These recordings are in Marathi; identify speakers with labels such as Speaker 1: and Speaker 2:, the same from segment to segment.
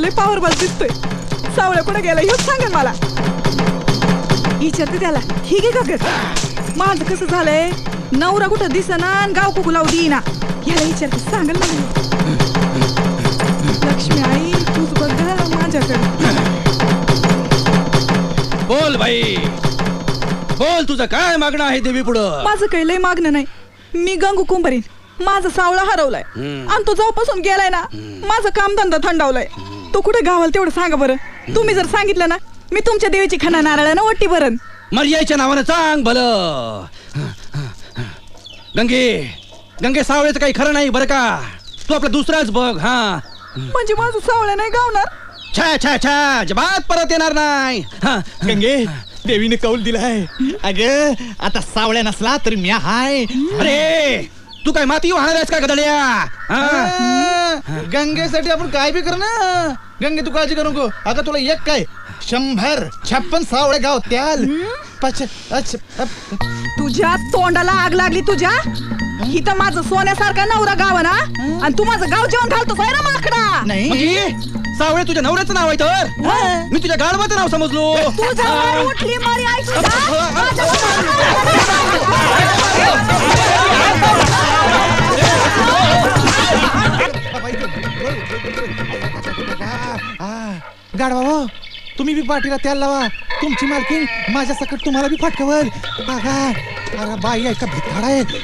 Speaker 1: लय पॉवरफुल दिसतोय. सावळ्या कुठे गेला हेच सांगा मला. विचारते त्याला. ही घे का माझं कसं झालंय, नवरा कुठं दिसना आणि गाव कुकू लावू देईना. याला विचारते सांगाल ना. लक्ष्मी आई तूच बघ माझ्याकडे.
Speaker 2: बोल बाई बोल, तुझं काय मागणं आहे देवी पुढं?
Speaker 1: माझं काही लय मागणं नाही. मी गंगू कुंभारीन. माझा सावळा हरवलाय आणि तो जाऊपासून गेलाय ना, माझं कामधंदा थंडावलाय. तो कुठे गावाला तेवढं सांगा बरं. तुम्ही जर सांगितलं ना, मी तुमच्या देवीची खणा नारळानं ओटी भरण.
Speaker 2: मर्याच्या नावानं सांग भलं. गंगे सावळ्याचं काही खरं नाही बरं का. तू आपला दुसराच बघ. हा
Speaker 1: म्हणजे माझं सावळ्या नाही गावणार.
Speaker 2: छा छा छा जबात परत येणार नाही.
Speaker 3: गंगे देवीने कौल दिलाय. अगं आता सावळ्या नसला तरी मी हाय.
Speaker 2: अरे तू काय माती वाहणार आहेस का गदड्या?
Speaker 3: गंगेसाठी आपण काय बी कर ना. गंगे तू काळजी करू नको. अगं तुला एक काय 156 सावळे गाव त्याल.
Speaker 1: तुझ्या तोंडाला आग लागली तुझ्या. ही तर माझं सोन्यासारखा नवरा गाव ना, आणि तू माझं गाव जेवण घालतोस आहे ना माकडा.
Speaker 3: नाही
Speaker 2: म्हणजे सावळे तुझ्या नवऱ्याचं नाव आहे तर मी तुझ्या गाढवाचं नाव समजलो.
Speaker 1: तुझ्या वर उठली मारी आई तुझ्या.
Speaker 3: गाडवा हो, तुम्ही बी पाठीला त्याला लावा. तुमची मालकीन माझ्या सकट तुम्हाला बी फाटकवल. अरे बाई ऐका भिताड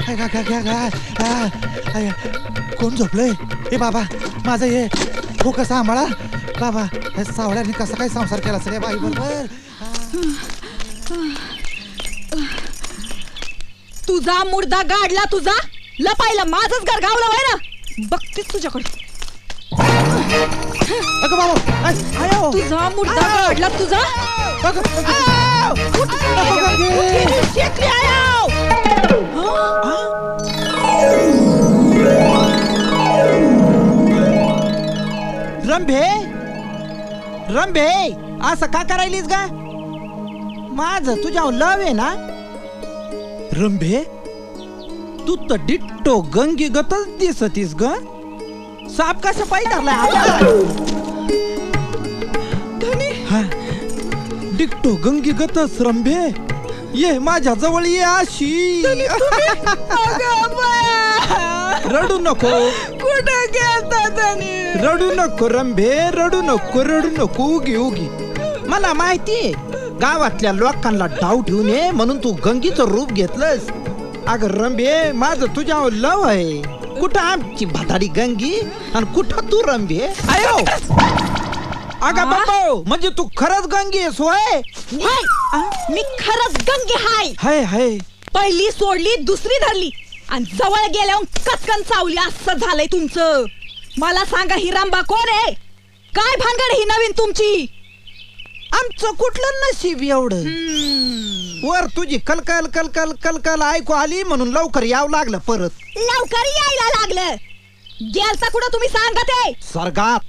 Speaker 3: आहे. कोण झोपलंय? ए बाबा माझं हे हो सांभाळा. बाबा हे सावळ्याने कसा काय संसार केला सगळ्या बाई बरोबर.
Speaker 1: तुझा मुर्दा गाडला तुझा. लपायला माझंच घर गावलं आहे ना. बघतेच तुझ्याकडे.
Speaker 3: अगं बाबा
Speaker 1: तुझा मुर्दा गाडला तुझा.
Speaker 4: रंभे असं का करायलीस गा? माझं तुझ्या लव आहे ना. रंभे तू तर डिट्टो गंगी गतच दिसतीस ग. साप कसं पाय धरलाय? डिट्टो गंगी गतच रंभे. ये माझ्या जवळ ये अशी. रडू नको.
Speaker 1: कुठं गेलता त्याने?
Speaker 4: रडू नको रंभे, रडू नको. उगी मला माहितीये गावातल्या लोकांना डाव ठेवून ये म्हणून तू गंगीचं रूप घेतलंस. अगं रंभे माझं तुझ्यावर लव आहे. कुठं आमची भाताडी गंगी आणि कुठं तू रंभे? आयो अगं बाबा म्हणजे तू खरंच गंगी आहेस होय?
Speaker 1: मी खरंच गंगे हाय. पहिली सोडली दुसरी धरली आणि जवळ गेल्यावर कचकन चावली. असं झालंय तुमचं. मला सांगा ही रामबा कोण आहे? काय भानगड ही नवीन तुमची?
Speaker 4: आमचं कुठलं नशीब एवढं. वर तुझी कलकल ऐकू आली म्हणून लवकर यावं लागलं. परत
Speaker 1: लवकर यायला लागलं. गेलता कुठं तुम्ही सांगा ते?
Speaker 4: सर्गात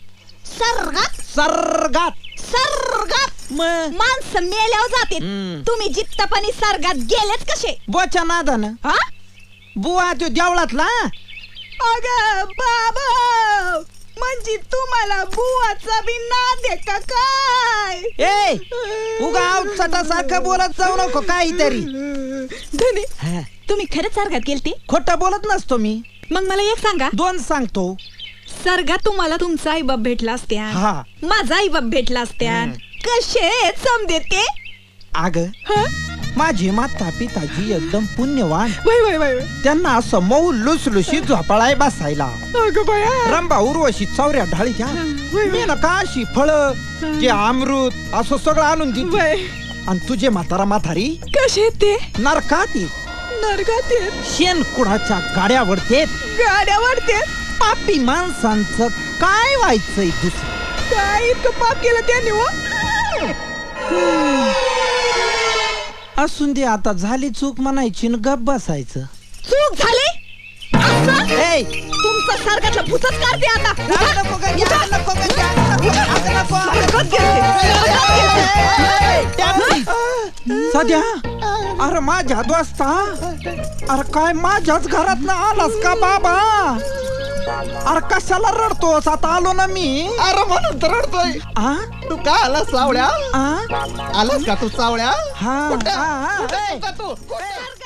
Speaker 1: माणसं मेल्यावर जाते. तुम्ही जित्तपणी सर्गात गेलेच कसे?
Speaker 4: बोच्या नादानं.
Speaker 1: हा
Speaker 4: बुवा तो देवळातला.
Speaker 1: अगं बाबा म्हणजे तुम्हाला बुवाचा बी नाद आहे का काय?
Speaker 4: ए उगा चटासारखं बोलत जाऊ नको काहीतरी.
Speaker 1: धनी तुम्ही खरंच सर्गात गेलते?
Speaker 4: खोटं बोलत नसतो मी.
Speaker 1: मग मला एक सांगा.
Speaker 4: दोन सांगतो.
Speaker 1: सर्गात तुम्हाला तुमचा आई बाप भेटला असत्या,
Speaker 4: हा
Speaker 1: माझा आई बाप भेटला असत्या. कसे समजे ते?
Speaker 4: अग माझी माता पिताजी एकदम पुण्यवान.
Speaker 1: वय
Speaker 4: त्यांना असं मऊ लुसलुशी झोपाळाय बसायला. रंभा उर्वशी चौऱ्या ढाळीच्या मेनका अशी फळ जे अमृत असं सगळं आणून दिली. आणि तुझे म्हातारा म्हातारी
Speaker 1: कसे ते?
Speaker 4: नरकात शेण कुणाच्या गाड्यावरते पापी माणसांचं काय व्हायचंय दुसरं?
Speaker 1: काय इतकं पाप केलं त्याने?
Speaker 4: असून दे आता झाली चूक म्हणायची न गप बसायचं.
Speaker 1: चूक झाली? तुमचं सर्गातलं भूतच काढते आता.
Speaker 4: सध्या अरे माझ्या दोस्ता, अरे काय माझ्याच घरात ना आलास का बाबा? अरे कशाला रडतोस आता आलो ना मी
Speaker 3: अरे म्हणून तर रडतोय.
Speaker 4: आ?
Speaker 3: तू का आलास सावळ्या?
Speaker 4: आ?
Speaker 3: आलास का तू सावळ्या?
Speaker 4: हा,
Speaker 3: कुठं?
Speaker 4: हा, हा.
Speaker 3: कुठं तू? कुठं?